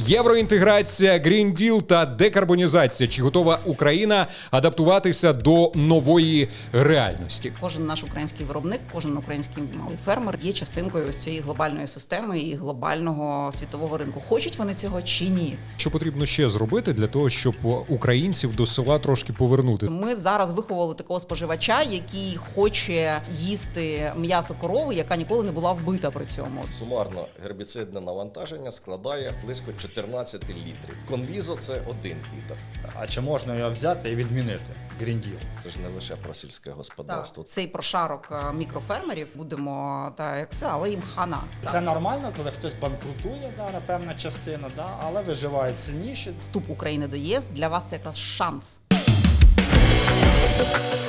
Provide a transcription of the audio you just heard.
Євроінтеграція, Green Deal та декарбонізація. Чи готова Україна адаптуватися до нової реальності? Кожен наш український виробник, кожен український малий фермер є частинкою ось цієї глобальної системи і глобального світового ринку. Хочуть вони цього чи ні? Що потрібно ще зробити для того, щоб українців до села трошки повернути? Ми зараз виховували такого споживача, який хоче їсти м'ясо корови, яка ніколи не була вбита при цьому. Сумарно гербіцидне навантаження складає близько 14 літрів. Конвізо – це 1 літр. А чи можна його взяти і відмінити? Green Deal. Це ж не лише про сільське господарство. Цей прошарок мікрофермерів будемо як все, але їм хана. Це нормально, коли хтось банкрутує, певна частина, але виживають сильніші. Вступ України до ЄС для вас це якраз шанс.